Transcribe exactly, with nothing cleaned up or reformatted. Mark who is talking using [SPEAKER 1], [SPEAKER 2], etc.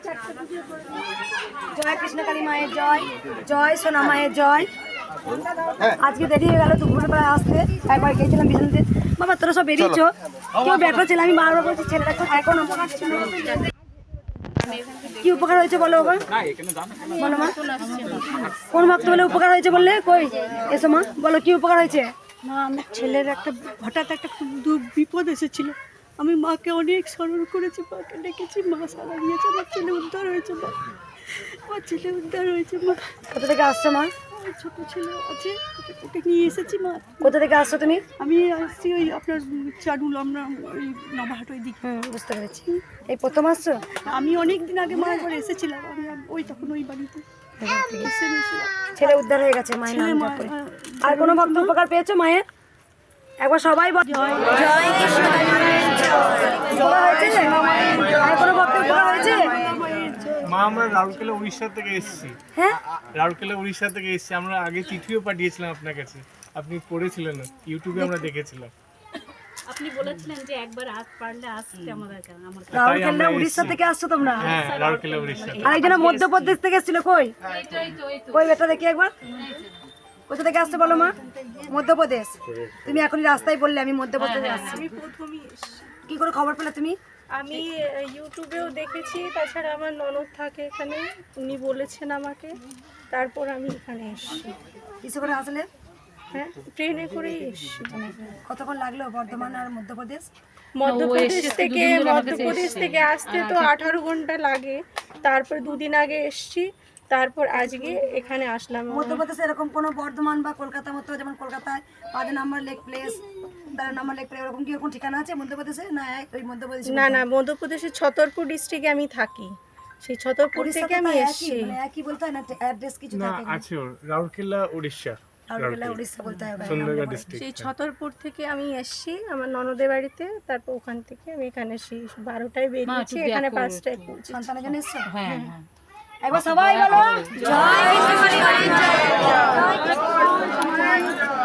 [SPEAKER 1] জয় কৃষ্ণকালী মায়ের জয়, জয় সোনা মায়ের জয়। আজকে দেরি হয়ে গেল দুপুরবেলা আসতে, একবার গিয়েছিলাম বিছানাতে। বাবা তোরা সব বেরিয়েছ, কেউ ব্যাটা ছেলে, আমি বারবার বলছি ছেলেটা এখন কি উপকার হয়েছে বলো বাবা, বলো মা কোন ভক্ত বলে উপকার হয়েছে বললে? কই এসো মা, বলো কি উপকার হয়েছে?
[SPEAKER 2] মা আমার ছেলের একটা হঠাৎ একটা খুব দূর বিপদ এসেছিল, আমি মাকে অনেক স্মরণ করেছি, মাকে ডেকেছি, মা সারা দিয়েছে, আমার ছেলে উদ্ধার হয়েছে, মা আমার ছেলে উদ্ধার হয়েছে। মা
[SPEAKER 1] কোথা থেকে আসছো মা?
[SPEAKER 2] ছোট ছেলে আছে, ওকে নিয়ে এসেছি মা।
[SPEAKER 1] কোথা থেকে আসছো তুমি?
[SPEAKER 2] আমি আসছি ওই আপনার চারুল, আমরা ওই নবাহাট ওই দিকে।
[SPEAKER 1] হুম বুঝতে পেরেছি। এই প্রথম আসছো?
[SPEAKER 2] আমি অনেক দিন আগে মা একবার এসেছিলাম, আমি ওই তখন ওই বাড়িতে এসে নিয়েছিলাম।
[SPEAKER 1] ছেলে উদ্ধার হয়ে গেছে মায়ের নাম জপ করে। আর কোনো ভক্ত উপকার পেয়েছো মায়ের? একবার সবাই বল জয় কৃষ্ণকালী মায়ের জয়। হয়েছে আর কোনো ভক্ত উপকার হয়েছে?
[SPEAKER 3] মা আমরা রাউরকেলা উড়িষ্যা থেকে এসেছি।
[SPEAKER 1] হ্যাঁ
[SPEAKER 3] রাউরকেলা উড়িষ্যা থেকে এসেছি। আমরা আগে চিঠিও পাঠিয়েছিলাম আপনার কাছে, আপনি পড়েছিলেন, ইউটিউবে আমরা দেখেছিলাম।
[SPEAKER 4] আপনি বলেছিলেন যে একবার আজ পারলে আসতে আমাদের কাছে, আমার কাছে।
[SPEAKER 1] রাউরকেলা উড়িষ্যা থেকে আসছো তোমরা?
[SPEAKER 3] হ্যাঁ রাউরকেলা উড়িষ্যা।
[SPEAKER 1] আর একজন মধ্যপ্রদেশ থেকে এসেছিল, কই কই বেটা দেখি একবার, কোথা থেকে আসছে বলো মা? মধ্যপ্রদেশ। তুমি এখনই রাস্তায় বললে আমি মধ্যপ্রদেশে আসছি।
[SPEAKER 2] আমি প্রথমেই
[SPEAKER 1] কি করে খবর পেলে তুমি?
[SPEAKER 2] আমি ইউটিউবেও দেখেছি, তাছাড়া আমার ননদ থাকে এখানে, উনি বলেছেন আমাকে, তারপর আমি এখানে এসেছি।
[SPEAKER 1] কিসে করে আসলে?
[SPEAKER 2] হ্যাঁ ট্রেনে করেই এসেছি।
[SPEAKER 1] কতক্ষণ লাগলো বর্ধমান আর মধ্যপ্রদেশ?
[SPEAKER 2] মধ্যপ্রদেশ থেকে মধ্যপ্রদেশ থেকে আসতে তো আঠারো ঘন্টা লাগে, তারপর দুদিন আগে এসেছি, তারপর আজকে এখানে আসলাম।
[SPEAKER 1] মধ্যপ্রদেশে এরকম কোনো বর্ধমান বা কলকাতার মতো, যেমন কলকাতায় পাঁচ নাম্বার লেক প্লেস, তেরো নাম্বার লেক প্লেস, এরকম কি এরকম ঠিকানা আছে মধ্যপ্রদেশে? না ওই মধ্যপ্রদেশে
[SPEAKER 2] না না, মধ্যপ্রদেশের ছতরপুর ডিস্ট্রিক্টে আমি থাকি, সেই ছতরপুর থেকে আমি এসেছি।
[SPEAKER 1] মানে একই বলতে হয় না, অ্যাড্রেস কিছু
[SPEAKER 3] না
[SPEAKER 1] থাকে?
[SPEAKER 3] আছে ওর, রাউরকেলা উড়িষ্যা,
[SPEAKER 1] রাউরকেলা উড়িষ্যা বলতে হবে।
[SPEAKER 3] সুন্দরগড় ডিস্ট্রিক্ট।
[SPEAKER 2] সেই ছতরপুর থেকে আমি এসেছি আমার ননদের বাড়িতে, তারপর ওখান থেকে আমি এখানে এসেছি বারোটায় বেরিয়েছি, এখানে পাঁচটায় পৌঁছি।
[SPEAKER 1] সন্তানের জন্য এসছো?
[SPEAKER 4] হ্যাঁ হ্যাঁ।
[SPEAKER 1] একবার সবাই বলো জয় কৃষ্ণকালী মায়ের জয়।